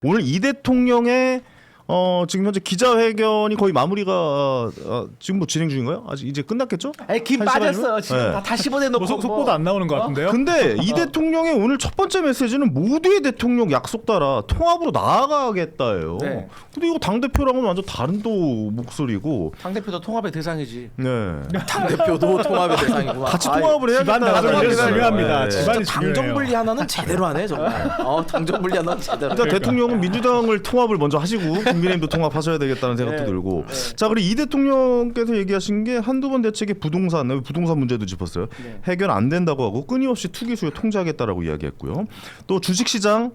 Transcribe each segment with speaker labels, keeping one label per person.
Speaker 1: 오늘 이 대통령의 지금 현재 기자회견이 거의 마무리가 지금 뭐 진행 중인가요? 아직 이제 끝났겠죠?
Speaker 2: 김 빠졌어요. 지금 다 씹어내놓고
Speaker 3: 속보도 안 나오는 것 같은데요?
Speaker 1: 근데 이 대통령의 오늘 첫 번째 메시지는 모두의 대통령 약속 따라 통합으로 나아가겠다예요.
Speaker 2: 네.
Speaker 1: 근데 이거 당대표랑은 완전 다른 또 목소리고.
Speaker 2: 당대표도 통합의 대상이지.
Speaker 1: 네.
Speaker 4: 당대표도 통합의 대상이구나.
Speaker 1: 같이 통합을 해야겠다.
Speaker 3: 집안 나가는 중요합니다.
Speaker 1: 네.
Speaker 3: 집안이
Speaker 4: 당정
Speaker 3: 중요해요.
Speaker 4: 분리 하나는 제대로 하네 정말. 당정 분리 하나는 제대로.
Speaker 1: 그러니까 대통령은 민주당을 통합을 먼저 하시고 국민의힘도 통합하셔야 되겠다는 생각도 들고. 자, 그리고 이 대통령께서 얘기하신 게 한두 번 대책의 부동산 문제도 짚었어요. 해결 안 된다고 하고 끊임없이 투기 수요 통제하겠다라고 이야기했고요. 또 주식시장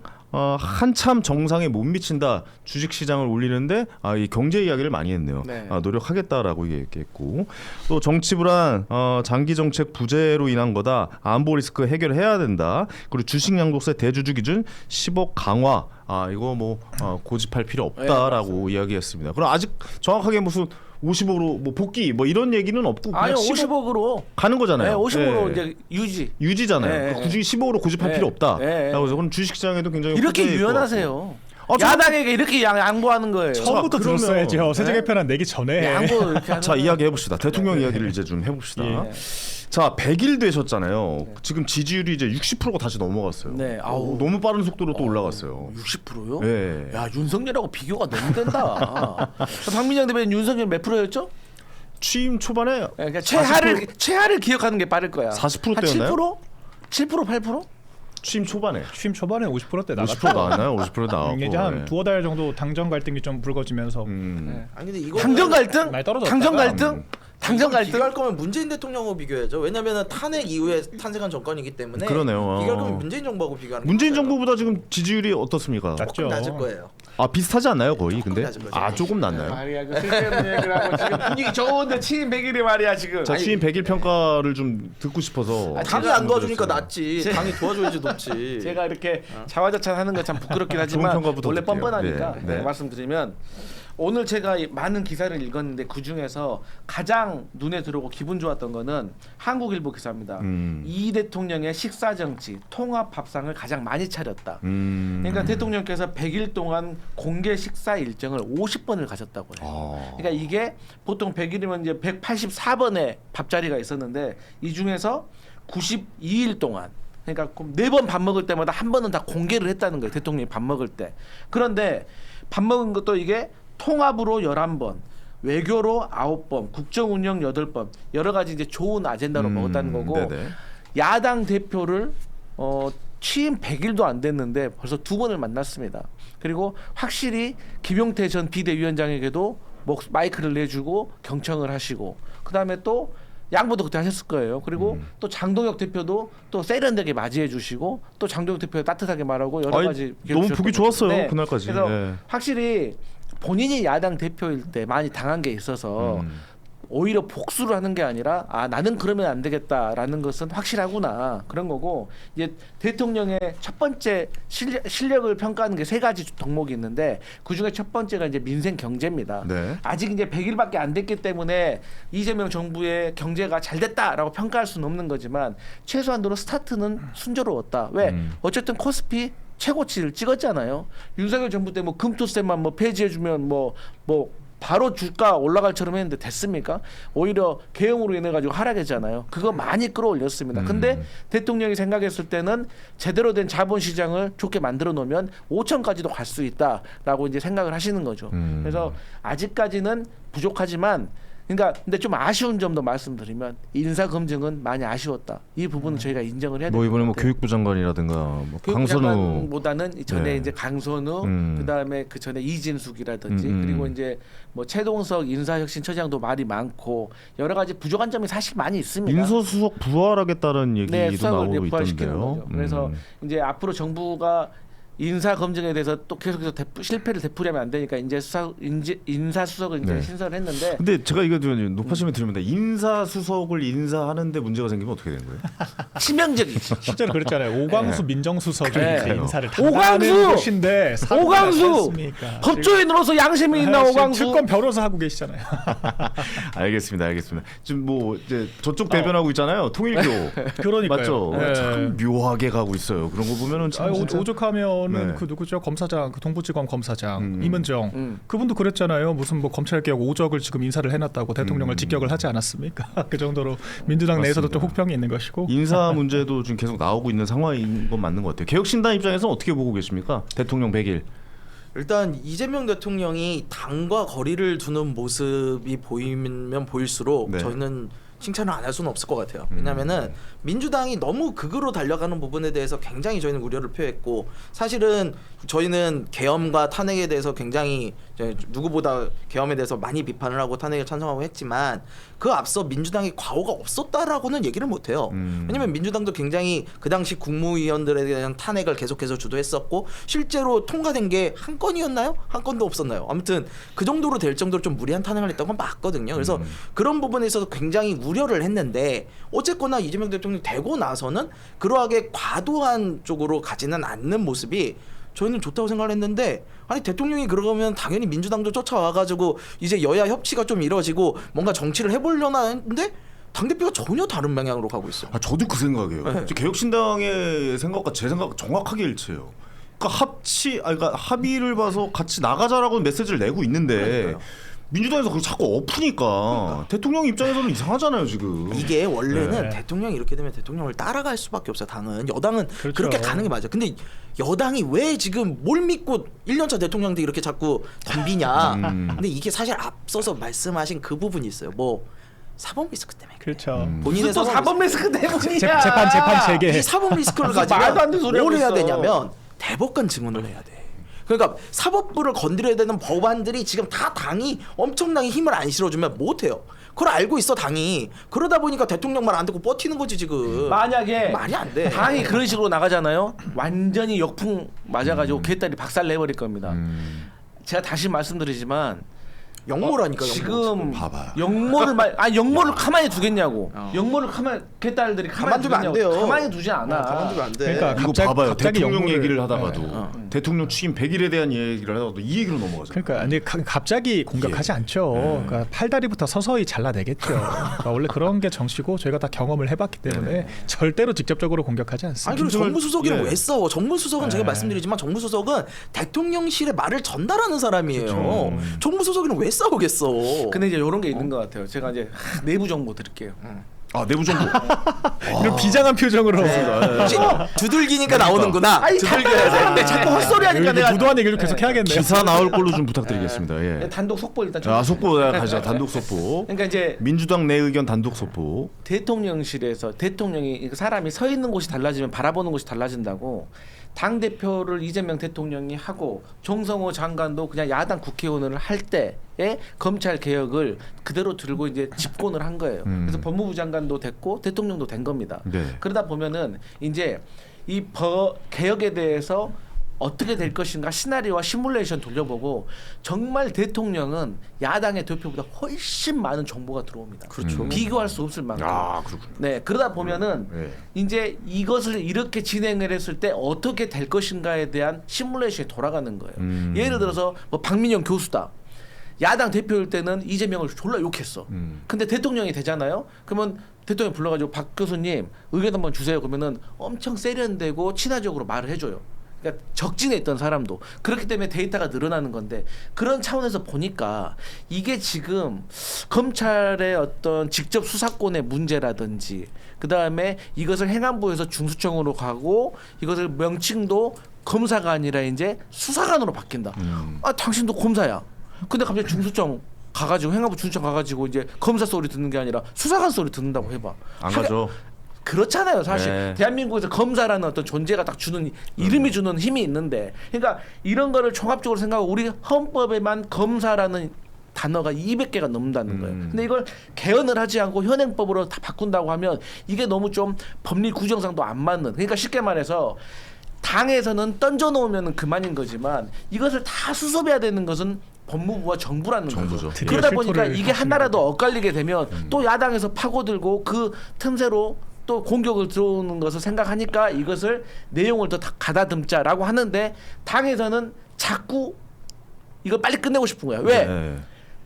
Speaker 1: 한참 정상에 못 미친다. 주식시장을 올리는데 이 경제 이야기를 많이 했네요.
Speaker 2: 네.
Speaker 1: 노력하겠다라고 얘기했고, 또 정치 불안, 장기 정책 부재로 인한 거다. 안보 리스크 해결해야 된다. 그리고 주식 양도세 대주주 기준 10억 강화. 이거 뭐 고집할 필요 없다라고 이야기했습니다. 그럼 아직 정확하게 무슨 50억으로 뭐 복귀 뭐 이런 얘기는 없고 그냥
Speaker 2: 아니요, 50억으로
Speaker 1: 가는 거잖아요.
Speaker 2: 네, 50억으로
Speaker 1: 네.
Speaker 2: 이제
Speaker 1: 유지잖아요.
Speaker 2: 네.
Speaker 1: 그러니까 굳이 15억으로 고집할 필요 없다. 라고 해서 그럼 주식시장에도 굉장히
Speaker 2: 이렇게
Speaker 1: 호재일 것
Speaker 2: 유연하세요.
Speaker 1: 같고.
Speaker 2: 야당에게 이렇게 양보하는 거예요.
Speaker 3: 처음부터
Speaker 1: 그러면-
Speaker 3: 들었어야죠. 세제 개편안 내기 전에.
Speaker 2: 양보 이렇게 하는
Speaker 1: 자,
Speaker 2: 거예요.
Speaker 1: 이야기 해봅시다. 대통령 이야기를 이제 좀 해봅시다.
Speaker 3: 예.
Speaker 1: 자, 100일 되셨잖아요. 지금 지지율이 이제 60%가 다시 넘어갔어요.
Speaker 2: 네, 아우.
Speaker 1: 너무 빠른 속도로 또 올라갔어요.
Speaker 2: 60%요?
Speaker 1: 네.
Speaker 2: 야, 윤석열하고 비교가 너무 된다. 박민영 대변인 윤석열 몇 프로였죠?
Speaker 1: 취임 초반에
Speaker 2: 그러니까
Speaker 1: 40%
Speaker 2: 최하를 기억하는 게 빠를 거야.
Speaker 1: 40%
Speaker 2: 한
Speaker 1: 대였나요?
Speaker 2: 7%? 7%? 8%?
Speaker 1: 취임 초반에
Speaker 3: 취임 초반에 50%대
Speaker 1: 50%
Speaker 3: 나갔다.
Speaker 1: 나왔나요? 50% 나왔고.
Speaker 3: 이제 한
Speaker 1: 네.
Speaker 3: 두어 달 정도 당정 갈등이 좀 불거지면서
Speaker 4: 아니 근데 이거
Speaker 2: 당정 갈등?
Speaker 3: 많이 떨어졌다가
Speaker 2: 당정 갈등? 당정 갈등?
Speaker 4: 비교할 거면 문재인 대통령하고 비교해야죠. 왜냐면은 탄핵 이후에 탄생한 정권이기 때문에
Speaker 1: 그러네요.
Speaker 4: 비교할 거면 문재인 정부하고 비교하는 게
Speaker 1: 문재인
Speaker 4: 맞아요.
Speaker 1: 정부보다 지금 지지율이 어떻습니까?
Speaker 3: 낮죠.
Speaker 4: 조금 낮을 거예요.
Speaker 1: 비슷하지 않나요, 거의? 근데
Speaker 4: 낮은 거죠.
Speaker 1: 조금 낮나요?
Speaker 2: 말이야, 그 쓸데없는 얘기를 하고 지금 분위기 좋은데 취임 100일이 말이야 지금.
Speaker 1: 자, 취임 100일 평가를 좀 듣고 싶어서.
Speaker 4: 당이 안 도와주니까 낫지. 당이 도와줘야지 높지.
Speaker 2: 제가 이렇게 자화자찬하는 건 참 부끄럽긴 하지만
Speaker 1: 좋은 평가부터
Speaker 2: 원래
Speaker 1: 드릴게요.
Speaker 2: 뻔뻔하니까
Speaker 1: 네.
Speaker 2: 말씀드리면 오늘 제가 많은 기사를 읽었는데 그 중에서 가장 눈에 들어오고 기분 좋았던 거는 한국일보 기사입니다. 이 대통령의 식사 정치 통합 밥상을 가장 많이 차렸다. 그러니까 대통령께서 100일 동안 공개 식사 일정을 50번을 가졌다고 해요. 그러니까 이게 보통 100일이면 이제 184번의 밥자리가 있었는데 이 중에서 92일 동안 그러니까 4번 밥 먹을 때마다 한 번은 다 공개를 했다는 거예요. 대통령이 밥 먹을 때. 그런데 밥 먹은 것도 이게 통합으로 11번, 외교로 9번, 국정운영 8번 여러 가지 이제 좋은 아젠다로 먹었다는 거고
Speaker 1: 네네.
Speaker 2: 야당 대표를 취임 100일도 안 됐는데 벌써 2번을 만났습니다. 그리고 확실히 김용태 전 비대위원장에게도 마이크를 내주고 경청을 하시고 그다음에 또 양보도 그때 하셨을 거예요. 그리고 또 장동혁 대표도 또 세련되게 맞이해 주시고 또 장동혁 대표 따뜻하게 말하고 여러 가지
Speaker 1: 너무 보기 좋았어요.
Speaker 2: 네.
Speaker 1: 그날까지.
Speaker 2: 그래서
Speaker 1: 네.
Speaker 2: 확실히 본인이 야당 대표일 때 많이 당한 게 있어서 오히려 복수를 하는 게 아니라 나는 그러면 안 되겠다라는 것은 확실하구나 그런 거고 이제 대통령의 첫 번째 실력을 평가하는 게 3가지 덕목이 있는데 그 중에 첫 번째가 이제 민생 경제입니다.
Speaker 1: 네.
Speaker 2: 아직 이제 100일밖에 안 됐기 때문에 이재명 정부의 경제가 잘 됐다라고 평가할 수는 없는 거지만 최소한도로 스타트는 순조로웠다. 왜? 어쨌든 코스피 최고치를 찍었잖아요. 윤석열 정부 때 뭐 금토세만 뭐 폐지해주면 뭐 바로 주가 올라갈처럼 했는데 됐습니까? 오히려 개혁으로 인해 가지고 하락했잖아요. 그거 많이 끌어올렸습니다. 근데 대통령이 생각했을 때는 제대로 된 자본시장을 좋게 만들어 놓으면 5천까지도 갈 수 있다라고 이제 생각을 하시는 거죠. 그래서 아직까지는 부족하지만 그러니까 근데 좀 아쉬운 점도 말씀드리면 인사 검증은 많이 아쉬웠다. 이 부분은 저희가 인정을 해야 됩니다.
Speaker 1: 뭐 이번에 뭐 교육부 장관이라든가 뭐
Speaker 2: 교육부
Speaker 1: 강선우
Speaker 2: 장관보다는 전에
Speaker 1: 네.
Speaker 2: 이제 강선우 그다음에 그 전에 이진숙이라든지 그리고 이제 뭐 최동석 인사혁신처장도 말이 많고 여러 가지 부족한 점이 사실 많이 있습니다.
Speaker 1: 인사수석 부활하겠다는 얘기도
Speaker 2: 수석을
Speaker 1: 나오고
Speaker 2: 부활시키는
Speaker 1: 있던데요.
Speaker 2: 거죠. 그래서 이제 앞으로 정부가 인사 검증에 대해서 또 계속해서 실패를 되풀이하면 안 되니까 이제 인사수석을 이제
Speaker 1: 네.
Speaker 2: 신설했는데
Speaker 1: 근데 제가 이거 좀 높아심을 드립니다. 인사수석을 인사하는데 문제가 생기면 어떻게 되는 거예요?
Speaker 2: 치명적이지.
Speaker 3: 실제로 그랬잖아요. 오광수 민정수석이
Speaker 2: 네.
Speaker 3: 이제 인사를
Speaker 2: 오광수!
Speaker 3: 담당하는 곳인데
Speaker 2: 오광수 법조인으로서 양심이 있나 오광수.
Speaker 3: 특검 변호사 하고 계시잖아요.
Speaker 1: 알겠습니다. 지금 뭐 이제 저쪽 대변하고 있잖아요. 통일교.
Speaker 3: 그러니까요.
Speaker 1: 맞죠?
Speaker 3: 네.
Speaker 1: 참 묘하게 가고 있어요. 그런 거 보면은 참 진짜.
Speaker 3: 오죽하면 거는
Speaker 1: 네.
Speaker 3: 그 누구죠? 검사장, 그 동부지검 검사장 이문정 그분도 그랬잖아요. 무슨 뭐 검찰개혁 오적을 지금 인사를 해놨다고 대통령을 직격을 하지 않았습니까? 그 정도로 민주당 내에서도 좀 혹평이 있는 것이고
Speaker 1: 인사 문제도 지금 계속 나오고 있는 상황인 건 맞는 것 같아요. 개혁신당 입장에서 어떻게 보고 계십니까? 대통령 100일.
Speaker 4: 일단 이재명 대통령이 당과 거리를 두는 모습이 보이면 보일수록
Speaker 1: 네.
Speaker 4: 저희는 칭찬을 안 할 수는 없을 것 같아요. 왜냐하면은 민주당이 너무 극으로 달려가는 부분에 대해서 굉장히 저희는 우려를 표했고 사실은 저희는 계엄과 탄핵에 대해서 굉장히 누구보다 계엄에 대해서 많이 비판을 하고 탄핵에 찬성하고 했지만 그 앞서 민주당이 과오가 없었다라고는 얘기를 못해요. 왜냐면 민주당도 굉장히 그 당시 국무위원들에 대한 탄핵을 계속해서 주도했었고 실제로 통과된 게 한 건이었나요? 한 건도 없었나요? 아무튼 그 정도로 될 정도로 좀 무리한 탄핵을 했던 건 맞거든요. 그래서 그런 부분에 있어서 굉장히 우려를 했는데 어쨌거나 이재명 대통령이 되고 나서는 그러하게 과도한 쪽으로 가지는 않는 모습이 저희는 좋다고 생각을 했는데 아니 대통령이 그러면 당연히 민주당도 쫓아와가지고 이제 여야 협치가 좀 이루어지고 뭔가 정치를 해보려나 했는데 당대표가 전혀 다른 방향으로 가고 있어요.
Speaker 1: 저도 그 생각이에요.
Speaker 4: 네.
Speaker 1: 개혁신당의 생각과 제 생각 정확하게 일치해요. 그러니까 그러니까 합의를 봐서 같이 나가자라고 메시지를 내고 있는데
Speaker 4: 그러니까요.
Speaker 1: 민주당에서 그걸 자꾸 엎으니까 대통령 입장에서는 이상하잖아요 지금.
Speaker 4: 이게 원래는
Speaker 3: 네.
Speaker 4: 대통령이 이렇게 되면 대통령을 따라갈 수밖에 없어요. 당은 여당은
Speaker 3: 그렇죠.
Speaker 4: 그렇게 가는 게 맞아요. 근데 여당이 왜 지금 뭘 믿고 1년차 대통령한테 이렇게 자꾸 덤비냐. 근데 이게 사실 앞서서 말씀하신 그 부분이 있어요. 뭐 사법 리스크 때문에 그래요.
Speaker 3: 그렇죠.
Speaker 4: 본인의
Speaker 2: 또 사법 리스크 때문이야.
Speaker 3: 재판 체계.
Speaker 4: 이 사법 리스크를
Speaker 2: 무슨 말도 안 되는
Speaker 4: 가지면
Speaker 2: 소리
Speaker 4: 뭘
Speaker 2: 하고
Speaker 4: 해야
Speaker 2: 있어.
Speaker 4: 되냐면 대법관 증언을 해야 돼. 그러니까 사법부를 건드려야 되는 법안들이 지금 다 당이 엄청나게 힘을 안 실어주면 못해요. 그걸 알고 있어 당이. 그러다 보니까 대통령 말 안 듣고 버티는 거지 지금.
Speaker 2: 만약에
Speaker 4: 말이 안 돼.
Speaker 2: 당이 그런 식으로 나가잖아요. 완전히 역풍 맞아가지고 개딸이 박살 내버릴 겁니다. 제가 다시 말씀드리지만
Speaker 4: 영모라니까
Speaker 2: 지금
Speaker 1: 봐봐요.
Speaker 2: 영모를 가만히 두겠냐고. 영모를 개딸들이 가만히
Speaker 4: 가만두면 안 돼요.
Speaker 2: 가만히 두지 않아.
Speaker 4: 가만두면 안 돼.
Speaker 3: 그러니까
Speaker 1: 이거
Speaker 3: 갑자기-
Speaker 1: 봐봐요.
Speaker 3: 갑자기
Speaker 1: 대통령
Speaker 3: 영모를-
Speaker 1: 얘기를 하다가도 대통령 취임 100일에 대한 얘기를 하다가도 이 얘기로 넘어가죠.
Speaker 3: 그러니까 아니 갑자기 공격하지 않죠. 그러니까 팔다리부터 서서히 잘라내겠죠. 그러니까 원래 그런 게 정치고 저희가 다 경험을 해봤기 때문에 절대로 직접적으로 공격하지 않습니다.
Speaker 4: 아니 그리고 정무수석이랑
Speaker 1: 예.
Speaker 4: 왜 싸워? 정무수석은 제가 말씀드리지만 정무수석은 대통령실의 말을 전달하는 사람이에요. 정무수석이랑 왜 싸우겠어?
Speaker 2: 근데 이제 이런 게 있는 것 같아요. 제가 이제 내부 정보 드릴게요.
Speaker 1: 내부 정보.
Speaker 3: 이런 비장한 표정으로
Speaker 4: 혹시 두들기니까 나오는구나.
Speaker 2: 아니
Speaker 4: 두들겨야 돼.
Speaker 2: 자꾸 헛소리하니까
Speaker 3: 여기
Speaker 2: 내가
Speaker 3: 무도한 얘기를 계속 해야겠네요.
Speaker 1: 기사 나올 걸로 좀 부탁드리겠습니다. 예.
Speaker 2: 단독 속보 일단
Speaker 1: 자, 속보 가자. 단독 속보.
Speaker 2: 그러니까 이제
Speaker 1: 민주당 내 의견 단독 속보.
Speaker 2: 대통령실에서 대통령이 사람이 서 있는 곳이 달라지면 바라보는 곳이 달라진다고 당 대표를 이재명 대통령이 하고 정성호 장관도 그냥 야당 국회의원을 할 때에 검찰 개혁을 그대로 들고 이제 집권을 한 거예요. 그래서 법무부 장관도 됐고 대통령도 된 겁니다.
Speaker 1: 네.
Speaker 2: 그러다 보면은 이제 이 개혁에 대해서 어떻게 될 것인가 시나리오와 시뮬레이션 돌려보고 정말 대통령은 야당의 대표보다 훨씬 많은 정보가 들어옵니다.
Speaker 4: 그렇죠.
Speaker 2: 비교할 수 없을 만큼.
Speaker 1: 그렇군요.
Speaker 2: 네, 그러다 보면은
Speaker 1: 네.
Speaker 2: 이제 이것을 이렇게 진행을 했을 때 어떻게 될 것인가에 대한 시뮬레이션이 돌아가는 거예요. 예를 들어서 뭐 박민영 교수다. 야당 대표일 때는 이재명을 졸라 욕했어. 근데 대통령이 되잖아요. 그러면 대통령 불러가지고 박 교수님 의견 한번 주세요. 그러면은 엄청 세련되고 친화적으로 말을 해줘요. 그러니까 적진에 있던 사람도 그렇기 때문에 데이터가 늘어나는 건데 그런 차원에서 보니까 이게 지금 검찰의 어떤 직접 수사권의 문제라든지 그 다음에 이것을 행안부에서 중수청으로 가고 이것을 명칭도 검사가 아니라 이제 수사관으로 바뀐다. 당신도 검사야. 근데 갑자기 중수청 가가지고 행안부 중수청 가가지고 이제 검사 소리 듣는 게 아니라 수사관 소리 듣는다고 해봐.
Speaker 1: 안 가죠.
Speaker 2: 그렇잖아요, 사실.
Speaker 1: 네.
Speaker 2: 대한민국에서 검사라는 어떤 존재가 딱 주는 이름이 주는 힘이 있는데, 그러니까 이런 거를 종합적으로 생각하고 우리 헌법에만 검사라는 단어가 200개가 넘는다는 거예요. 근데 이걸 개헌을 하지 않고 현행법으로 다 바꾼다고 하면 이게 너무 좀 법리 구정상도 안 맞는. 그러니까 쉽게 말해서 당에서는 던져놓으면 그만인 거지만 이것을 다 수습해야 되는 것은 법무부와 정부라는
Speaker 1: 정부죠.
Speaker 2: 거죠. 그러다 보니까
Speaker 3: 실토를
Speaker 2: 이게 하나라도 엇갈리게 되면 또 야당에서 파고들고 그 틈새로 또 공격을 들어오는 것을 생각하니까 이것을 내용을 더 가다듬자라고 하는데 당에서는 자꾸 이걸 빨리 끝내고 싶은 거야. 왜?
Speaker 1: 네.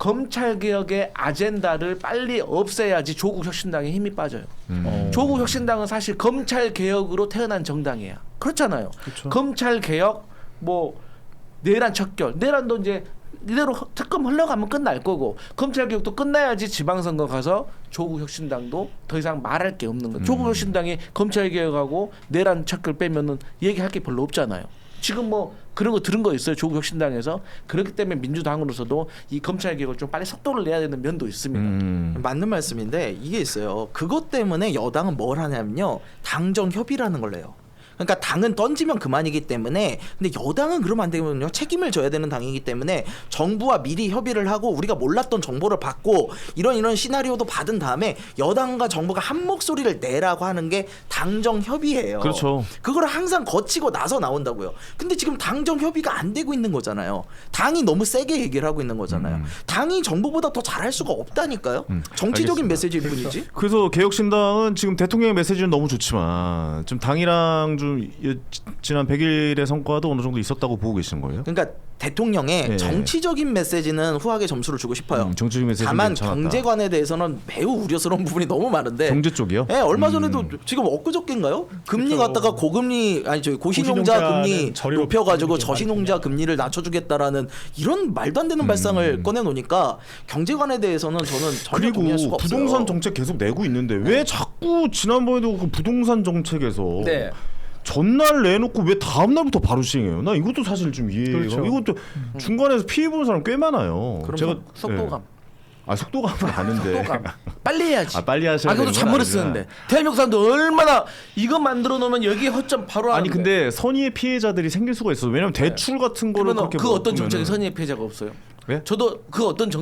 Speaker 2: 검찰개혁의 아젠다를 빨리 없애야지 조국혁신당에 힘이 빠져요. 조국혁신당은 사실 검찰개혁으로 태어난 정당이야. 그렇잖아요.
Speaker 3: 그렇죠.
Speaker 2: 검찰개혁 뭐 내란 척결, 내란도 이제 이대로 특검 흘러가면 끝날 거고 검찰 개혁도 끝나야지 지방선거 가서 조국 혁신당도 더 이상 말할 게 없는 거예요. 조국 혁신당이 검찰 개혁하고 내란 척결 빼면은 얘기할 게 별로 없잖아요. 지금 뭐 그런 거 들은 거 있어요. 조국 혁신당에서. 그렇기 때문에 민주당으로서도 이 검찰 개혁을 좀 빨리 속도를 내야 되는 면도 있습니다.
Speaker 4: 맞는 말씀인데 이게 있어요. 그것 때문에 여당은 뭘 하냐면요. 당정 협의라는 걸 내요. 그러니까 당은 던지면 그만이기 때문에 근데 여당은 그러면 안 되거든요. 책임을 져야 되는 당이기 때문에 정부와 미리 협의를 하고 우리가 몰랐던 정보를 받고 이런 시나리오도 받은 다음에 여당과 정부가 한 목소리를 내라고 하는 게 당정 협의예요.
Speaker 1: 그렇죠.
Speaker 4: 그걸 항상 거치고 나서 나온다고요. 근데 지금 당정 협의가 안 되고 있는 거잖아요. 당이 너무 세게 얘기를 하고 있는 거잖아요. 당이 정부보다 더 잘할 수가 없다니까요. 정치적인
Speaker 1: 알겠습니다.
Speaker 4: 메시지일 뿐이지.
Speaker 1: 그래서 개혁신당은 지금 대통령의 메시지는 너무 좋지만 지금 당이랑 좀 지난 100일의 성과도 어느 정도 있었다고 보고 계시는 거예요?
Speaker 4: 그러니까 대통령의
Speaker 1: 네.
Speaker 4: 정치적인 메시지는 후하게 점수를 주고 싶어요.
Speaker 1: 정치적인 메시지는
Speaker 4: 다만
Speaker 1: 괜찮았다.
Speaker 4: 경제관에 대해서는 매우 우려스러운 부분이 너무 많은데.
Speaker 1: 경제 쪽이요?
Speaker 4: 네, 얼마 전에도 지금 엊그저께인가요? 금리
Speaker 3: 그렇죠.
Speaker 4: 갖다가 고금리 아니 저기 고신용자
Speaker 3: 고신용자는
Speaker 4: 금리
Speaker 3: 저리로
Speaker 4: 높여가지고
Speaker 3: 이렇게
Speaker 4: 저신용자 금리를 낮춰주겠다라는 이런 말도 안 되는 발상을 꺼내놓으니까 경제관에 대해서는 저는 전혀 동의할 수가
Speaker 1: 그리고
Speaker 4: 없어요.
Speaker 1: 부동산 정책 계속 내고 있는데 왜 자꾸 지난번에도 그 부동산 정책에서
Speaker 2: 네.
Speaker 1: 전날 내놓고 왜 다음 날부터 바로 시행해요? 나 이것도 사실 좀 이해가.
Speaker 3: 그렇죠.
Speaker 1: 이것도 중간에서 피해 보는 사람 꽤 많아요.
Speaker 2: 그럼
Speaker 1: 제가
Speaker 2: 속도감.
Speaker 1: 속도감은 아는데.
Speaker 2: 속도감. 빨리 해야지.
Speaker 1: 빨리 하셔야
Speaker 2: 그것도
Speaker 1: 되는 건
Speaker 2: 잔머리
Speaker 1: 아니구나.
Speaker 2: 쓰는데 대한민국 사람들 얼마나 이거 만들어 놓으면 여기 허점 바로
Speaker 1: 아니
Speaker 2: 하는데.
Speaker 1: 근데 선의의 피해자들이 생길 수가 있어. 왜냐면 대출 같은 거를
Speaker 2: 그러면
Speaker 1: 그렇게
Speaker 2: 그 어떤
Speaker 1: 먹으면은-
Speaker 2: 정책에 선의의 피해자가 없어요?
Speaker 1: 왜?
Speaker 2: 저도 그 어떤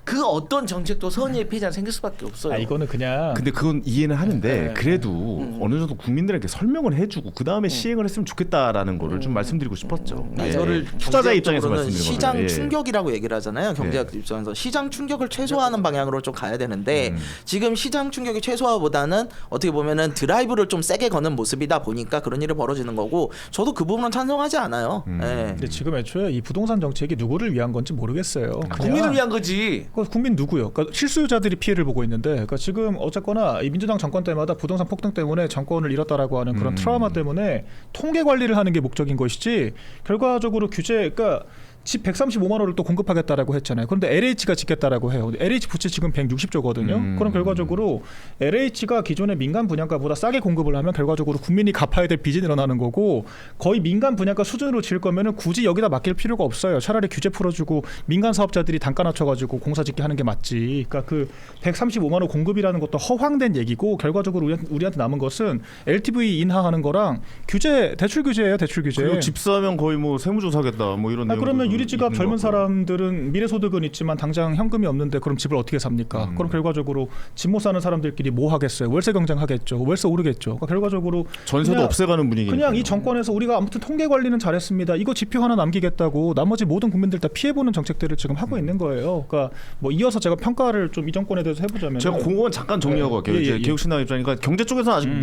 Speaker 2: 정책도 선의의 피해자는 생길 수밖에 없어요.
Speaker 3: 이거는 그냥
Speaker 1: 근데 그건 이해는 하는데
Speaker 2: 네.
Speaker 1: 그래도 어느 정도 국민들에게 설명을 해주고 그 다음에 시행을 했으면 좋겠다라는 거를 좀 말씀드리고 싶었죠. 예.
Speaker 4: 이거를
Speaker 1: 투자자 입장에서
Speaker 4: 경제학적으로는
Speaker 1: 말씀드리는
Speaker 4: 시장
Speaker 1: 거예요. 예.
Speaker 4: 충격이라고 얘기를 하잖아요. 경제학 입장에서 시장 충격을 최소화하는 방향으로 좀 가야 되는데 지금 시장 충격의 최소화보다는 어떻게 보면은 드라이브를 좀 세게 거는 모습이다 보니까 그런 일이 벌어지는 거고 저도 그 부분은 찬성하지 않아요. 예.
Speaker 3: 근데 지금 애초에 이 부동산 정책이 누구를 위한 건지 모르겠어요. 그냥
Speaker 2: 국민을 위한 거지.
Speaker 3: 국민 누구요? 그러니까 실수요자들이 피해를 보고 있는데, 그러니까 지금 어쨌거나 이 민주당 정권 때마다 부동산 폭등 때문에 정권을 잃었다라고 하는 그런 트라우마 때문에 통계 관리를 하는 게 목적인 것이지 결과적으로 규제, 그러니까 집 135만 원을 또 공급하겠다라고 했잖아요. 그런데 LH가 짓겠다라고 해요. LH 부채 지금 160조거든요. 그럼 결과적으로 LH가 기존의 민간 분양가보다 싸게 공급을 하면 결과적으로 국민이 갚아야 될 빚이 늘어나는 거고 거의 민간 분양가 수준으로 지을 거면은 굳이 여기다 맡길 필요가 없어요. 차라리 규제 풀어주고 민간 사업자들이 단가 낮춰가지고 공사 짓게 하는 게 맞지. 그러니까 그 135만 원 공급이라는 것도 허황된 얘기고 결과적으로 우리한테 남은 것은 LTV 인하하는 거랑 규제, 대출 규제예요. 대출 규제.
Speaker 1: 그리고 집 사면 거의 뭐 세무조사겠다 뭐 이런.
Speaker 3: 그러면 유리지갑
Speaker 1: 있는
Speaker 3: 젊은
Speaker 1: 거고.
Speaker 3: 사람들은 미래소득은 있지만 당장 현금이 없는데 그럼 집을 어떻게 삽니까? 그럼 결과적으로 집 못 사는 사람들끼리 뭐 하겠어요? 월세 경쟁하겠죠. 월세 오르겠죠. 그러니까 결과적으로
Speaker 1: 전세도
Speaker 3: 그냥-
Speaker 1: 없애가는 분위기.
Speaker 3: 그냥 이 정권에서 우리가 아무튼 통계 관리는 잘했습니다. 이거 지표 하나 남기겠다고 나머지 모든 국민들 다 피해보는 정책들을 지금 하고 있는 거예요. 그러니까 뭐 이어서 제가 평가를 좀 이 정권에 대해서 해보자면
Speaker 1: 제가 그건 잠깐 정리하고 갈게요.
Speaker 3: 예,
Speaker 1: 이제
Speaker 3: 예.
Speaker 1: 개혁신당 입장이니까 경제 쪽에서는 아직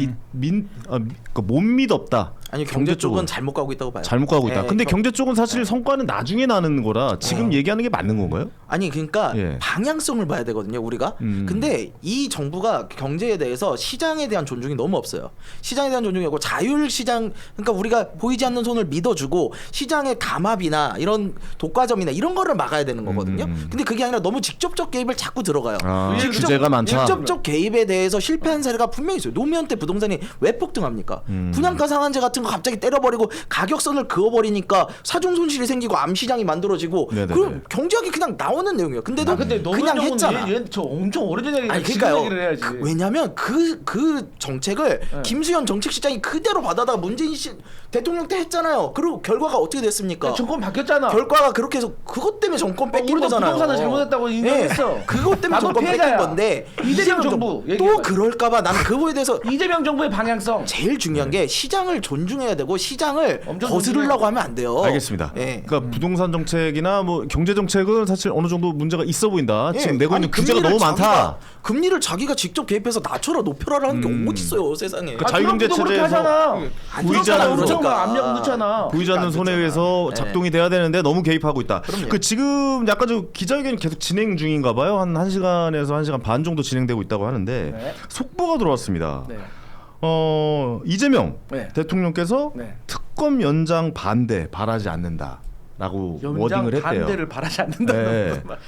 Speaker 1: 그러니까 못 믿었다.
Speaker 4: 아니 경제 쪽은 잘못 가고 있다고 봐요.
Speaker 1: 잘못 가고 있다.
Speaker 4: 예,
Speaker 1: 근데 경제 쪽은 사실 성과는 나중에 나는 거라 지금 얘기하는 게 맞는 건가요?
Speaker 4: 아니 그러니까
Speaker 1: 예.
Speaker 4: 방향성을 봐야 되거든요 우리가. 근데 이 정부가 경제에 대해서 시장에 대한 존중이 너무 없어요. 시장에 대한 존중이 없고 자율시장, 그러니까 우리가 보이지 않는 손을 믿어주고 시장의 감압이나 이런 독과점이나 이런 거를 막아야 되는 거거든요. 근데 그게 아니라 너무 직접적 개입을 자꾸 들어가요.
Speaker 1: 규제가 많다.
Speaker 4: 직접적 개입에 대해서 실패한 사례가 분명히 있어요. 노무현 때 부동산이 왜 폭등합니까? 분양가 상한제 같은 거 갑자기 때려버리고 가격선을 그어버리니까 사중 손실이 생기고 암시장이 만들어지고
Speaker 1: 네네네.
Speaker 4: 그럼 경제학이 그냥 나오는 내용이에요. 근데도
Speaker 2: 근데
Speaker 4: 그냥 했잖아.
Speaker 2: 저 엄청 오래전 얘기.
Speaker 4: 아니
Speaker 2: 지금
Speaker 4: 그러니까요.
Speaker 2: 얘기를 해야지.
Speaker 4: 왜냐면 그 정책을 김수현 정책실장이 그대로 받아다가 문재인 씨 대통령 때 했잖아요. 그리고 결과가 어떻게 됐습니까?
Speaker 2: 정권 바뀌었잖아.
Speaker 4: 결과가 그렇게 해서 그것 때문에 정권 뺏긴
Speaker 2: 우리도
Speaker 4: 거잖아요.
Speaker 2: 부동산을 잘못했다고 인정했어.
Speaker 4: 네, 그것 때문에
Speaker 2: 나도
Speaker 4: 정권
Speaker 2: 피해자야.
Speaker 4: 뺏긴 건데
Speaker 2: 이재명 정부
Speaker 4: 또
Speaker 2: 얘기해봐요.
Speaker 4: 그럴까봐 나는 그 부분에 대해서
Speaker 2: 이재명 정부의 방향성.
Speaker 4: 제일 중요한 게 시장을 존중해야 되고 시장을
Speaker 2: 엄청
Speaker 4: 거스르려고 하면 안 돼요.
Speaker 1: 알겠습니다.
Speaker 4: 예.
Speaker 1: 그러니까 부동산 정책이나 뭐 경제 정책은 사실 어느 정도 문제가 있어 보인다.
Speaker 4: 예.
Speaker 1: 지금 내고 있는
Speaker 4: 아니,
Speaker 1: 규제가 너무 많다.
Speaker 4: 금리를 자기가 직접 개입해서 낮춰라 높여라라는 게 어디 있어요 세상에.
Speaker 1: 그 자유경제
Speaker 2: 트럼프도 그렇게
Speaker 1: 체제에서
Speaker 2: 하잖아.
Speaker 4: 안
Speaker 1: 보이지 않는
Speaker 2: 엄청
Speaker 4: 그러니까.
Speaker 2: 압력 넣잖아.
Speaker 1: 보이지 않는 손에 의해서
Speaker 4: 네.
Speaker 1: 작동이 돼야 되는데 너무 개입하고 있다.
Speaker 4: 그럼요.
Speaker 1: 그 지금 약간 좀 기자회견이 계속 진행 중인가 봐요. 한 1시간에서 1시간 반 정도 진행되고 있다고 하는데 속보가 들어왔습니다.
Speaker 2: 네.
Speaker 1: 이재명
Speaker 2: 네.
Speaker 1: 대통령께서
Speaker 2: 네.
Speaker 1: 특검 연장 반대 바라지 않는다라고 워딩을 했대요.
Speaker 2: 반대를 바라지 않는다는
Speaker 1: 네.
Speaker 2: 거.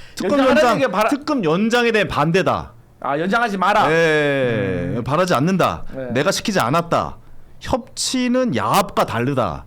Speaker 1: 특검 연장에 대한 반대다.
Speaker 2: 연장하지 마라.
Speaker 1: 네. 바라지 않는다.
Speaker 2: 네.
Speaker 1: 내가 시키지 않았다. 협치는 야합과 다르다.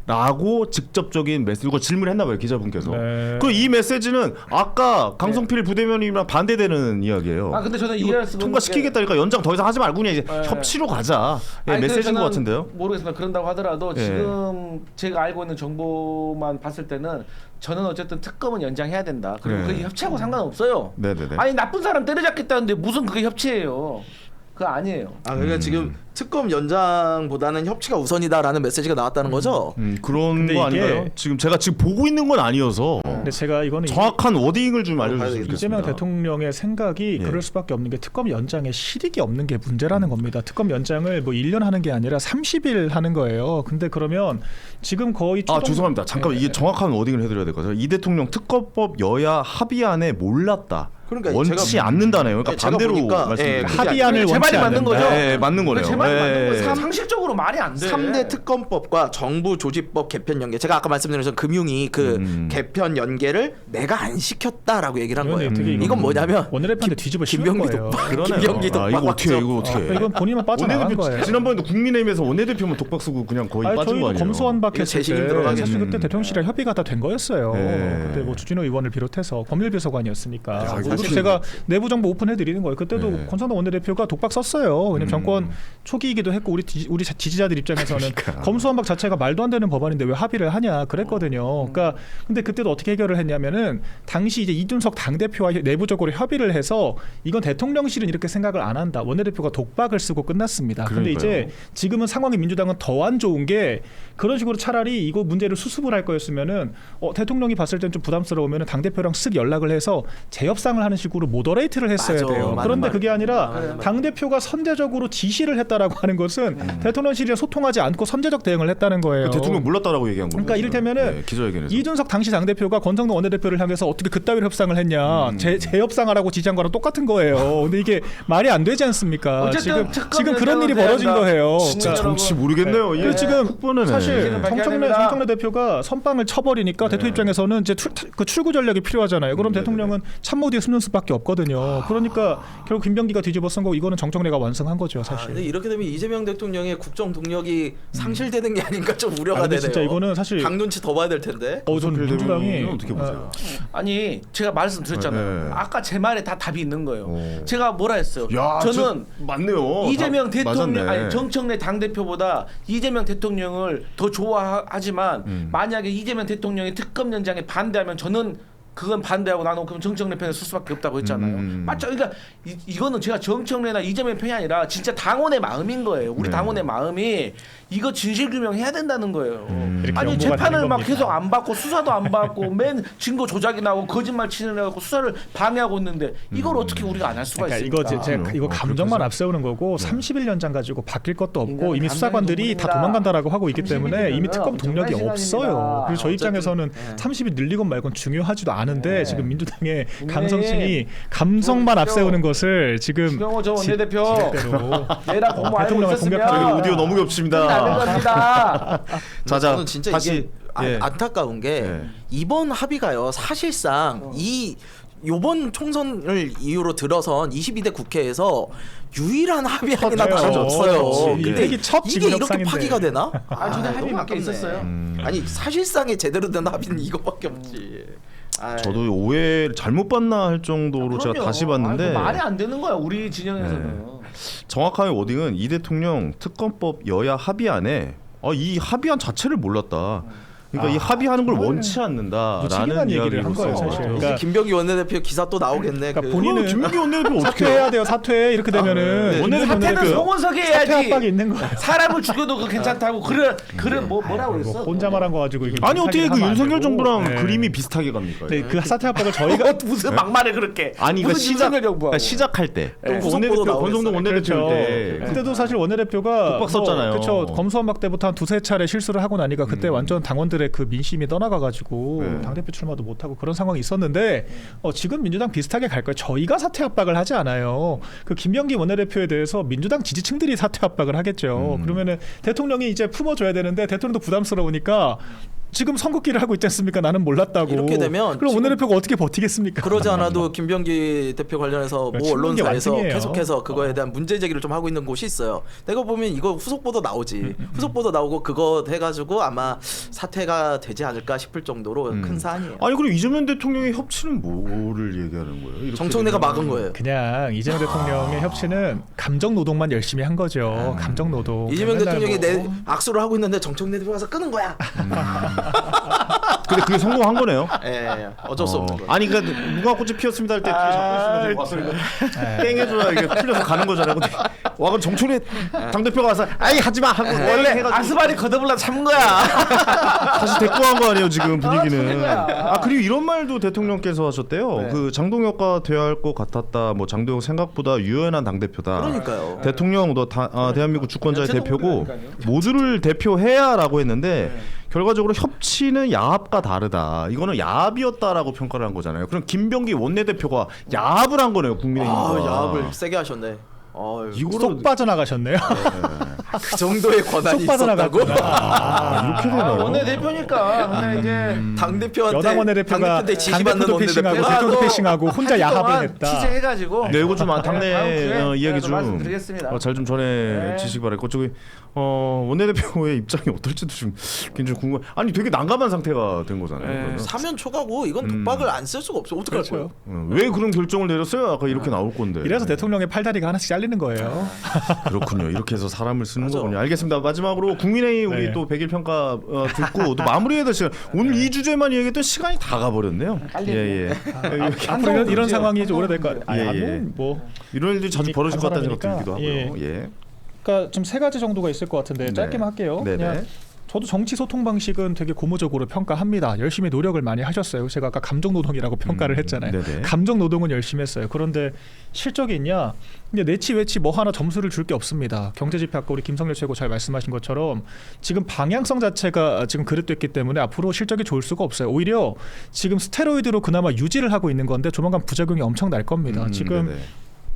Speaker 1: 라고 직접적인 메시지, 이거 질문했나 봐요 기자분께서.
Speaker 3: 네.
Speaker 1: 그리고 이 메시지는 아까 강성필 부대변인이랑 반대되는 이야기예요.
Speaker 2: 근데 저는
Speaker 1: 이거
Speaker 2: 이해할 수 없는
Speaker 1: 통과시키겠다니까 연장 더 이상 하지 말고 그냥 이제 협치로 가자.
Speaker 2: 아니,
Speaker 1: 메시지인 것
Speaker 2: 저는
Speaker 1: 같은데요.
Speaker 2: 모르겠습니다. 그런다고 하더라도
Speaker 1: 예.
Speaker 2: 지금 제가 알고 있는 정보만 봤을 때는 저는 어쨌든 특검은 연장해야 된다. 그리고
Speaker 1: 네.
Speaker 2: 그게 협치하고 상관없어요.
Speaker 1: 네네네.
Speaker 2: 아니 나쁜 사람 때려잡겠다는데 무슨 그게 협치예요? 그거 아니에요.
Speaker 4: 그러니까 지금 특검 연장보다는 협치가 우선이다라는 메시지가 나왔다는 거죠.
Speaker 1: 그런
Speaker 3: 근데
Speaker 1: 거
Speaker 3: 이게-
Speaker 1: 아닌가요? 지금 제가 보고 있는 건 아니어서
Speaker 3: 근데 제가 이거는
Speaker 1: 정확한 워딩을 좀 알려주셨으면
Speaker 4: 이재명
Speaker 1: 좋겠습니다.
Speaker 3: 이재명 대통령의 생각이
Speaker 1: 예.
Speaker 3: 그럴 수밖에 없는 게 특검 연장에 실익이 없는 게 문제라는 겁니다. 특검 연장을 뭐 1년 하는 게 아니라 30일 하는 거예요. 근데 그러면 지금 거의
Speaker 1: 죄송합니다. 잠깐 이게 정확한 워딩을 해드려야 될 것 같아요. 이 대통령 특검법 여야 합의안에 몰랐다.
Speaker 4: 그러니까
Speaker 1: 원치
Speaker 4: 제가-
Speaker 1: 않는다네요. 그러니까
Speaker 4: 제가
Speaker 1: 반대로
Speaker 4: 보니까,
Speaker 1: 말씀드립니다.
Speaker 4: 그게
Speaker 3: 합의안을
Speaker 2: 제
Speaker 3: 원치
Speaker 2: 말이 맞는
Speaker 3: 않는다.
Speaker 2: 거죠?
Speaker 1: 네, 맞는 거네요.
Speaker 2: 제 말이 맞는
Speaker 1: 네.
Speaker 2: 거예요. 상식적으로 말이 안 돼.
Speaker 4: 3대 특검법과 정부 조직법 개편 연계. 제가 아까 말씀드린 것처럼 금융위 그 개편 연계를 내가 안 시켰다라고 얘기를 한 거예요.
Speaker 3: 되게
Speaker 4: 이건 뭐냐면
Speaker 3: 원내대표한테 뒤집어 씌운
Speaker 4: 김병기
Speaker 3: 거예요.
Speaker 4: 독박,
Speaker 1: 그러네요.
Speaker 4: 김병기 독박
Speaker 1: 이거 어떻게
Speaker 4: 맞죠?
Speaker 1: 이거 어떻게?
Speaker 3: 이건 본인만 빠져나간 거예요.
Speaker 1: 지난번에도 국민의힘에서 원내대표만 독박 쓰고 그냥 거의 빠진 거
Speaker 3: 저희도
Speaker 1: 아니에요?
Speaker 3: 검수완박
Speaker 4: 이거
Speaker 3: 했을
Speaker 4: 재신임
Speaker 3: 때
Speaker 4: 들어가겠네.
Speaker 3: 사실 그때 대통령실이랑 협의가 다 된 거였어요.
Speaker 1: 네.
Speaker 3: 그때 뭐 주진호 의원을 비롯해서 법률비서관이었으니까.
Speaker 1: 야,
Speaker 3: 그리고
Speaker 1: 사실-
Speaker 3: 제가 내부 정보 오픈해드리는 거예요. 그때도
Speaker 1: 네.
Speaker 3: 권성동 원내대표가 독박 썼어요. 왜냐면 정권 초기이기도 했고 우리 지지자들 입장에서는
Speaker 1: 그러니까.
Speaker 3: 검수완박 자체가 말도 안 되는 법안인데 왜 합의를 하냐 그랬거든요. 그러니까 근데 그때도 어떻게 해결을 했냐면은 당시 이제 이준석 당대표와 내부적으로 협의를 해서 이건 대통령실은 이렇게 생각을 안 한다. 원내대표가 독박을 쓰고 끝났습니다. 근데
Speaker 1: 그러니까요.
Speaker 3: 이제 지금은 상황이 민주당은 더 안 좋은 게 그런 식으로 차라리 이거 문제를 수습을 할 거였으면은 대통령이 봤을 땐 좀 부담스러우면은 당 대표랑 쓱 연락을 해서 재협상을 하는 식으로 모더레이트를 했어야
Speaker 4: 맞아,
Speaker 3: 돼요.
Speaker 4: 맞는
Speaker 3: 그런데
Speaker 4: 말.
Speaker 3: 그게 아니라
Speaker 4: 맞는 말.
Speaker 3: 당 대표가 선제적으로 지시를 했다라고 하는 것은 대통령실이랑 소통하지 않고 선제적 대응을 했다는 거예요.
Speaker 1: 대통령 몰랐다라고 얘기한 거예요.
Speaker 3: 그러니까 이를테면은
Speaker 1: 기자회견에서
Speaker 3: 이준석 당시 당 대표가 권성동 원내대표를 향해서 어떻게 그따위로 협상을 했냐, 재협상하라고 지시한 거랑 똑같은 거예요. 근데 이게 말이 안 되지 않습니까?
Speaker 2: 어쨌든
Speaker 3: 지금 그런 일이 벌어진 거예요.
Speaker 1: 진짜
Speaker 2: 여러분.
Speaker 1: 정치 모르겠네요.
Speaker 3: 그래서 지금
Speaker 1: 흑번이네.
Speaker 3: 사실
Speaker 2: 밝혀야
Speaker 3: 정청래
Speaker 2: 됩니다.
Speaker 3: 대표가 선빵을 쳐버리니까 대통령 입장에서는 이제 그 출구 전략이 필요하잖아요. 그럼 대통령은 참모 뒤에 숨는 수밖에 없거든요. 그러니까 결국 김병기가 뒤집어 쓴 거고 이거는 정청래가 완성한 거죠, 사실.
Speaker 4: 근데 이렇게 되면 이재명 대통령의 국정 동력이 상실되는 게 아닌가 좀 우려가
Speaker 3: 근데
Speaker 4: 되네요.
Speaker 3: 진짜 이거는 사실
Speaker 4: 강 눈치 더 봐야 될 텐데.
Speaker 3: 저는 민주당이
Speaker 1: 어떻게 보세요?
Speaker 2: 아니 제가 말씀드렸잖아요.
Speaker 1: 네.
Speaker 2: 아까 제 말에 다 답이 있는 거예요.
Speaker 1: 오.
Speaker 2: 제가 뭐라 했어요?
Speaker 1: 야,
Speaker 2: 저는
Speaker 1: 맞네요.
Speaker 2: 이재명 대통령
Speaker 1: 맞았네.
Speaker 2: 아니 정청래 당 대표보다 이재명 대통령을 더 좋아하지만 만약에 이재명 대통령이 특검 연장에 반대하면 저는 그건 반대하고 나는 그럼 정청래 편에 설 수밖에 없다고 했잖아요. 맞죠? 그러니까 이거는 제가 정청래나 이재명 편이 아니라 진짜 당원의 마음인 거예요. 우리
Speaker 1: 네.
Speaker 2: 당원의 마음이 이거 진실 규명해야 된다는 거예요.
Speaker 3: 이렇게
Speaker 2: 아니
Speaker 3: 연구가
Speaker 2: 재판을
Speaker 3: 되는
Speaker 2: 막
Speaker 3: 겁니다.
Speaker 2: 계속 안 받고 수사도 안 받고 맨 증거 조작이 나오고 거짓말 치느라고 수사를 방해하고 있는데 이걸 어떻게 우리가 안 할 수가
Speaker 3: 그러니까
Speaker 2: 있습니까?
Speaker 3: 이거 제가 이거
Speaker 1: 그렇게
Speaker 3: 감정만
Speaker 1: 해서?
Speaker 3: 앞세우는 거고 30일 연장 가지고 바뀔 것도 없고
Speaker 2: 인간은
Speaker 3: 이미 수사관들이 다
Speaker 2: 감정이
Speaker 3: 도망간다라고 하고 있기
Speaker 2: 30일
Speaker 3: 때문에 이미
Speaker 2: 이면은
Speaker 3: 특검 동력이
Speaker 2: 엄청난
Speaker 3: 없어요.
Speaker 2: 시간입니다.
Speaker 3: 그래서 저희 입장에서는
Speaker 4: 네.
Speaker 3: 30일 늘리건 말건 중요하지도 않은데
Speaker 2: 네.
Speaker 3: 지금 민주당의
Speaker 2: 국민의힘
Speaker 3: 강성층이 감성만
Speaker 2: 보십시오.
Speaker 3: 앞세우는 것을 지금
Speaker 2: 주경호 전 원내대표
Speaker 3: 지렛대로
Speaker 2: 내라 공부 알고
Speaker 3: 대통령을
Speaker 2: 있었으면
Speaker 3: 공격하는
Speaker 1: 저희 오디오 너무
Speaker 2: 나는
Speaker 1: 겹칩니다.
Speaker 2: 겁니다.
Speaker 4: 저는 진짜
Speaker 1: 다시
Speaker 4: 이게
Speaker 1: 예.
Speaker 4: 안타까운 게
Speaker 1: 예.
Speaker 4: 이번 합의가요 사실상 요번 총선을 이유로 들어선 22대 국회에서 유일한 합의안이나
Speaker 3: 그렇죠.
Speaker 4: 나눠졌어요.
Speaker 3: 그렇지.
Speaker 4: 근데
Speaker 3: 이게 첫
Speaker 4: 이게
Speaker 3: 지구
Speaker 4: 이렇게
Speaker 3: 협상인데.
Speaker 4: 파기가 되나?
Speaker 2: 아, 저도 합의
Speaker 4: 너무
Speaker 2: 맞게
Speaker 4: 아깝네.
Speaker 2: 있었어요.
Speaker 4: 아니 사실상의 제대로 된 합의는 이거밖에 없지. 아이.
Speaker 1: 저도 오해 잘못 봤나 할 정도로 제가
Speaker 2: 그럼요.
Speaker 1: 다시 봤는데
Speaker 2: 아이고, 말이 안 되는 거야 우리 진영에서는.
Speaker 1: 정확하게 워딩은 이 대통령 특검법 여야 합의안에 이 합의안 자체를 몰랐다. 그러니까 이 합의하는 걸 원치 않는다라는
Speaker 3: 무책임한 얘기를 한 거예요, 사실.
Speaker 1: 이야기로서
Speaker 4: 이제
Speaker 3: 그러니까-
Speaker 4: 김병기 원내대표 기사 또 나오겠네.
Speaker 3: 그러니까
Speaker 4: 그-
Speaker 3: 본인은
Speaker 1: 김민기 원내대표 어떻게
Speaker 3: 사퇴해야 돼요. 사퇴 이렇게 되면은
Speaker 1: 네.
Speaker 3: 원내대표
Speaker 2: 사태는
Speaker 3: 원내대표
Speaker 2: 송원석이
Speaker 3: 사퇴
Speaker 2: 해야지.
Speaker 3: 압박이 있는 거예요.
Speaker 2: 사람을 죽여도 그 괜찮다고 그래 뭐라고 그랬어?
Speaker 3: 혼자 말한 거 가지고 이게
Speaker 1: 아니 어떻게 그
Speaker 3: 하면 안
Speaker 1: 윤석열
Speaker 3: 되고.
Speaker 1: 정부랑
Speaker 3: 네.
Speaker 1: 그림이 비슷하게 갑니까?
Speaker 3: 네, 그 사퇴 압박을 저희가
Speaker 2: 무슨 막말을 그렇게?
Speaker 1: 아니 그
Speaker 2: 무슨
Speaker 1: 시작
Speaker 2: 윤석열 정부하고.
Speaker 1: 그러니까 시작할 때
Speaker 2: 네.
Speaker 1: 원내대표
Speaker 4: 후속보도
Speaker 1: 권성동 원내대표
Speaker 3: 그렇죠.
Speaker 1: 때
Speaker 3: 그때도 사실 원내대표가
Speaker 1: 독박 썼잖아요.
Speaker 3: 그렇죠. 검수완박 때부터 한 두세 차례 실수를 하고 나니까 그때 완전 당원들 당원들의 그 민심이 떠나가가지고
Speaker 1: 네.
Speaker 3: 당대표 출마도 못하고 그런 상황이 있었는데 지금 민주당 비슷하게 갈 거예요. 저희가 사퇴 압박을 하지 않아요. 그 김병기 원내대표에 대해서 민주당 지지층들이 사퇴 압박을 하겠죠. 그러면은 대통령이 이제 품어줘야 되는데 대통령도 부담스러우니까 지금 선긋기를 하고 있지 않습니까? 나는 몰랐다고.
Speaker 4: 이렇게 되면
Speaker 3: 그럼
Speaker 4: 지금
Speaker 3: 원내대표가 어떻게 버티겠습니까?
Speaker 4: 그러지 않아도 김병기 대표 관련해서 모
Speaker 3: 친문계
Speaker 4: 언론사에서
Speaker 3: 완승이에요.
Speaker 4: 계속해서 그거에 대한 문제 제기를 좀 하고 있는 곳이 있어요. 내가 보면 이거 후속 보도 나오지. 후속 보도 나오고 그거 해가지고 아마 사퇴가 되지 않을까 싶을 정도로 큰 사안이에요.
Speaker 1: 아니 그리고 이재명 대통령의 협치는 뭐를 얘기하는 거예요? 이렇게
Speaker 4: 정청래가
Speaker 1: 되면.
Speaker 4: 막은 거예요.
Speaker 3: 그냥 이재명 대통령의 협치는 감정 노동만 열심히 한 거죠. 감정 노동.
Speaker 4: 이재명
Speaker 3: 맨날
Speaker 4: 대통령이
Speaker 3: 뭐
Speaker 4: 내 악수를 하고 있는데 정청래 대표 와서 끄는 거야.
Speaker 1: 근데 그게 성공한 거네요.
Speaker 4: 예, 어쩔 수 없는 거예요.
Speaker 1: 아니 그러니까 무궁화꽃이 피었습니다 할 때 뒤에 잡고 있으면 와서 이거 땡 해줘야 이게 풀려서 가는 거잖아요. 근데 와 그럼 정청래 당대표가 와서 아이 하지마 하고
Speaker 2: 원래
Speaker 1: 해가지고
Speaker 2: 아스발이 거듭을라 참은 거야.
Speaker 1: 다시 데리고 간 거 아니에요 지금 분위기는.
Speaker 2: 참은 거야.
Speaker 1: 아 그리고 이런 말도 대통령께서 하셨대요.
Speaker 2: 네.
Speaker 1: 그 장동혁과 대화할 것 같았다. 뭐 장동혁 생각보다 유연한 당대표다.
Speaker 4: 그러니까요.
Speaker 1: 대통령 너 대한민국 주권자의
Speaker 2: 야채
Speaker 1: 대표고
Speaker 2: 동물이라니까요.
Speaker 1: 모두를 대표해야라고 했는데 결과적으로 협치는 야합과 다르다. 이거는 야합이었다라고 평가를 한 거잖아요. 그럼 김병기 원내대표가 야합을 한 거네요 국민의힘과.
Speaker 4: 아, 야합을 세게 하셨네.
Speaker 1: 이거를
Speaker 3: 쏙 빠져나가셨네요.
Speaker 4: 그 정도의 권한이
Speaker 3: 쏙
Speaker 4: 있었다고?
Speaker 1: 이렇게 되나요?
Speaker 2: 원내 대표니까 근데 이제
Speaker 4: 당 대표한테
Speaker 3: 여당 원내대표가
Speaker 4: 당대표한테 지시받는
Speaker 3: 당대표도 패싱하고
Speaker 4: 원내대표가
Speaker 3: 대표도 패싱하고 혼자 야합을 했다.
Speaker 2: 취재해가지고
Speaker 1: 네, 이거 좀 당내
Speaker 2: 다음 기회에
Speaker 1: 이야기
Speaker 2: 좀
Speaker 1: 좀
Speaker 2: 말씀드리겠습니다.
Speaker 1: 잘 좀 전해 주시기 바랄고 저기 원내대표의 입장이 어떨지도 좀 굉장히 궁금. 아니 되게 난감한 상태가 된 거잖아요. 그러면.
Speaker 4: 사면 초과고 이건 독박을 안 쓸 수가 없어. 어떡할
Speaker 3: 그렇죠.
Speaker 4: 거예요?
Speaker 1: 왜 그런 결정을 내렸어요? 아까 이렇게 나올 건데.
Speaker 3: 이래서 대통령의 팔다리가 하나씩 잘리는 거예요.
Speaker 1: 그렇군요. 이렇게 해서 사람을 쓰는
Speaker 4: 맞아.
Speaker 1: 거군요. 알겠습니다. 마지막으로 국민의힘 우리
Speaker 3: 네.
Speaker 1: 또 100일 평가 듣고 또 마무리해야 될 시간. 오늘 이 주제만 얘기했던 시간이 다 가버렸네요. 예.
Speaker 3: 앞으로 이런 상황이 좀 오래될 것 같아요.
Speaker 1: 예.
Speaker 3: 뭐
Speaker 1: 이런 일들이 자주
Speaker 3: 이미
Speaker 1: 벌어질 것 같다는
Speaker 3: 간
Speaker 1: 생각도 들기도 하고요. 예.
Speaker 3: 그러니까 지금 세 가지 정도가 있을 것 같은데 짧게만 할게요.
Speaker 1: 네네.
Speaker 3: 그냥 저도 정치 소통 방식은 되게 고무적으로 평가합니다. 열심히 노력을 많이 하셨어요. 제가 아까 감정 노동이라고 평가를 했잖아요.
Speaker 1: 네네.
Speaker 3: 감정 노동은 열심히 했어요. 그런데 실적이 있냐? 근데 내치 외치 뭐 하나 점수를 줄 게 없습니다. 경제 지표 아까 우리 김성렬 최고 잘 말씀하신 것처럼 지금 방향성 자체가 지금 그릇됐기 때문에 앞으로 실적이 좋을 수가 없어요. 오히려 지금 스테로이드로 그나마 유지를 하고 있는 건데 조만간 부작용이 엄청 날 겁니다. 지금
Speaker 1: 네네.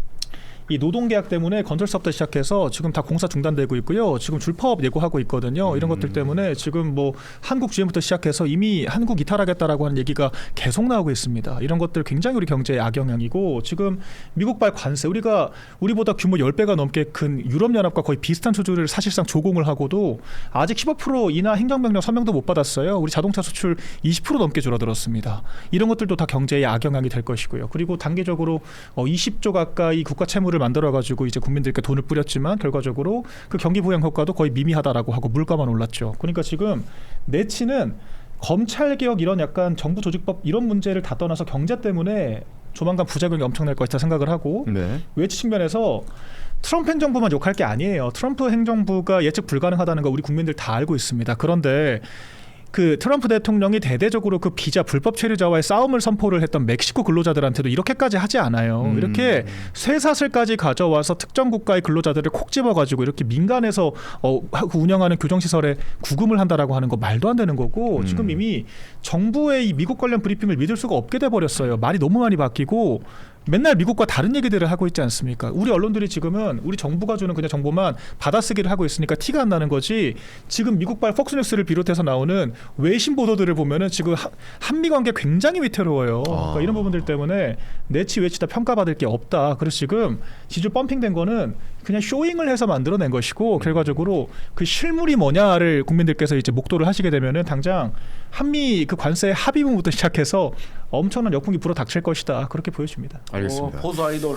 Speaker 3: 이 노동계약 때문에 건설 사업부터 시작해서 지금 다 공사 중단되고 있고요. 지금 줄파업 예고하고 있거든요. 이런 것들 때문에 지금 뭐 한국 GM부터 시작해서 이미 한국 이탈하겠다라고 하는 얘기가 계속 나오고 있습니다. 이런 것들 굉장히 우리 경제에 악영향이고 지금 미국발 관세 우리보다 규모 10배가 넘게 큰 유럽연합과 거의 비슷한 수준을 사실상 조공을 하고도 아직 15% 인하 행정명령 서명도 못 받았어요. 우리 자동차 수출 20% 넘게 줄어들었습니다. 이런 것들도 다 경제에 악영향이 될 것이고요. 그리고 단기적으로 20조 가까이 국가 채무를 만들어가지고 이제 국민들께 돈을 뿌렸지만 결과적으로 그 경기 부양 효과도 거의 미미하다라고 하고 물가만 올랐죠. 그러니까 지금 내치는 검찰 개혁 이런 약간 정부 조직법 이런 문제를 다 떠나서 경제 때문에 조만간 부작용이 엄청날 것이다 생각을 하고
Speaker 1: 네.
Speaker 3: 외치 측면에서 트럼프 행정부만 욕할 게 아니에요. 트럼프 행정부가 예측 불가능하다는 거 우리 국민들 다 알고 있습니다. 그런데 그 트럼프 대통령이 대대적으로 그 비자 불법 체류자와의 싸움을 선포를 했던 멕시코 근로자들한테도 이렇게까지 하지 않아요. 이렇게 쇠사슬까지 가져와서 특정 국가의 근로자들을 콕 집어가지고 이렇게 민간에서 운영하는 교정시설에 구금을 한다라고 하는 거 말도 안 되는 거고 지금 이미 정부의 이 미국 관련 브리핑을 믿을 수가 없게 돼버렸어요. 말이 너무 많이 바뀌고 맨날 미국과 다른 얘기들을 하고 있지 않습니까? 우리 언론들이 지금은 우리 정부가 주는 그냥 정보만 받아쓰기를 하고 있으니까 티가 안 나는 거지. 지금 미국발 폭스뉴스를 비롯해서 나오는 외신 보도들을 보면은 지금 한미 관계 굉장히 위태로워요. 그러니까 이런 부분들 때문에 내치 외치 다 평가받을 게 없다. 그래서 지금 지지율 펌핑된 거는 그냥 쇼잉을 해서 만들어낸 것이고 결과적으로 그 실물이 뭐냐를 국민들께서 이제 목도를 하시게 되면은 당장 한미 그 관세 합의문부터 시작해서 엄청난 역풍이 불어 닥칠 것이다. 그렇게 보여집니다.
Speaker 1: 알겠습니다.
Speaker 2: 보수 아이돌.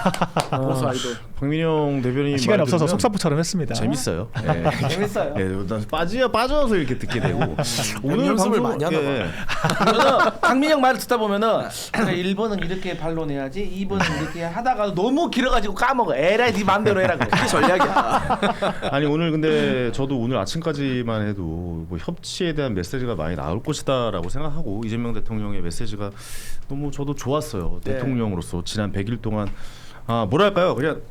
Speaker 2: 보수 아이돌.
Speaker 1: 박민영 대변인
Speaker 3: 시간이
Speaker 1: 말
Speaker 3: 없어서
Speaker 1: 들으면
Speaker 3: 속사포처럼 했습니다.
Speaker 1: 재밌어요. 예.
Speaker 2: 재밌어요.
Speaker 1: 예, 난 빠져서 이렇게 듣게 되고 오늘
Speaker 4: 연습을
Speaker 1: 방송
Speaker 4: 많이 하나 봐.
Speaker 2: 저는 강민영 말을 듣다 보면은 그래, 1번은 이렇게 반론해야지 2번은 이렇게 하다가 너무 길어가지고 까먹어. 에라이 네 맘대로 해라.
Speaker 4: 그게 전략이야.
Speaker 1: 아니 오늘 근데 저도 오늘 아침까지만 해도 뭐 협치에 대한 메시지가 많이 나올 것이다라고 생각하고 이재명 대통령의 메시지가 너무 저도 좋았어요.
Speaker 2: 네.
Speaker 1: 대통령으로서 지난 100일 동안 뭐랄까요 그냥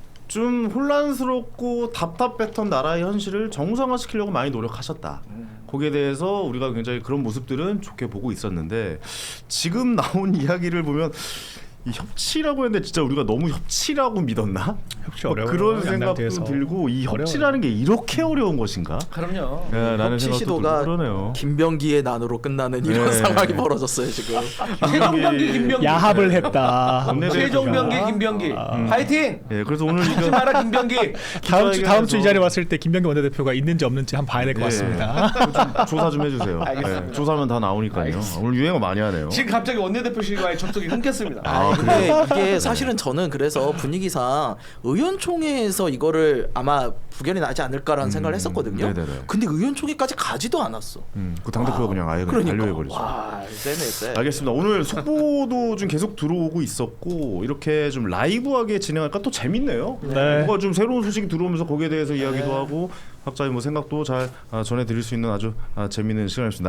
Speaker 1: 좀 혼란스럽고 답답했던 나라의 현실을 정상화시키려고 많이 노력하셨다. 거기에 대해서 우리가 굉장히 그런 모습들은 좋게 보고 있었는데 지금 나온 이야기를 보면 이 협치라고 했는데 진짜 우리가 너무 협치라고 믿었나?
Speaker 3: 협치
Speaker 1: 뭐
Speaker 3: 어려워요.
Speaker 1: 그런
Speaker 3: 양당대에서.
Speaker 1: 생각도 들고 이
Speaker 3: 어려워요.
Speaker 1: 협치라는 게 이렇게 어려운 것인가?
Speaker 2: 그럼요.
Speaker 1: 네, 라는
Speaker 4: 협치
Speaker 1: 생각도
Speaker 4: 시도가
Speaker 1: 들고 그러네요.
Speaker 4: 김병기의 난으로 끝나는 이런
Speaker 1: 네.
Speaker 4: 상황이 벌어졌어요 지금.
Speaker 2: 최종병기 김병기.
Speaker 3: 야합을 했다.
Speaker 1: 원내대표가-
Speaker 2: 최종병기 김병기. 파이팅.
Speaker 1: 예, 그래서 오늘
Speaker 2: 하지
Speaker 1: 이거
Speaker 2: 마라 김병기.
Speaker 3: 다음 주 이
Speaker 1: 기자회견에서-
Speaker 3: 자리에 왔을 때 김병기 원내대표가 있는지 없는지 한번 봐야 될 것
Speaker 1: 예.
Speaker 3: 같습니다.
Speaker 1: 좀 조사 좀 해주세요.
Speaker 2: 알겠습니다.
Speaker 1: 예, 조사하면 다 나오니까요.
Speaker 2: 알겠습니다.
Speaker 1: 오늘 유행어 많이 하네요.
Speaker 2: 지금 갑자기 원내대표실과의 접촉이 끊겼습니다.
Speaker 1: 아,
Speaker 4: 근데 이게 사실은 저는 그래서 분위기상 의원총회에서 이거를 아마 부결이 나지 않을까라는 생각을 했었거든요.
Speaker 1: 네네네.
Speaker 4: 근데 의원총회까지 가지도 않았어.
Speaker 1: 그 당대표가 그냥 아예
Speaker 4: 그러니까.
Speaker 1: 반려해버리죠.
Speaker 4: 와, 세네.
Speaker 1: 알겠습니다. 오늘 속보도 좀 계속 들어오고 있었고 이렇게 좀 라이브하게 진행할까 또 재밌네요.
Speaker 3: 네.
Speaker 1: 뭔가 좀 새로운 소식이 들어오면서 거기에 대해서 이야기도 하고 각자의 뭐 생각도 잘 전해드릴 수 있는 아주 재밌는 시간이었습니다.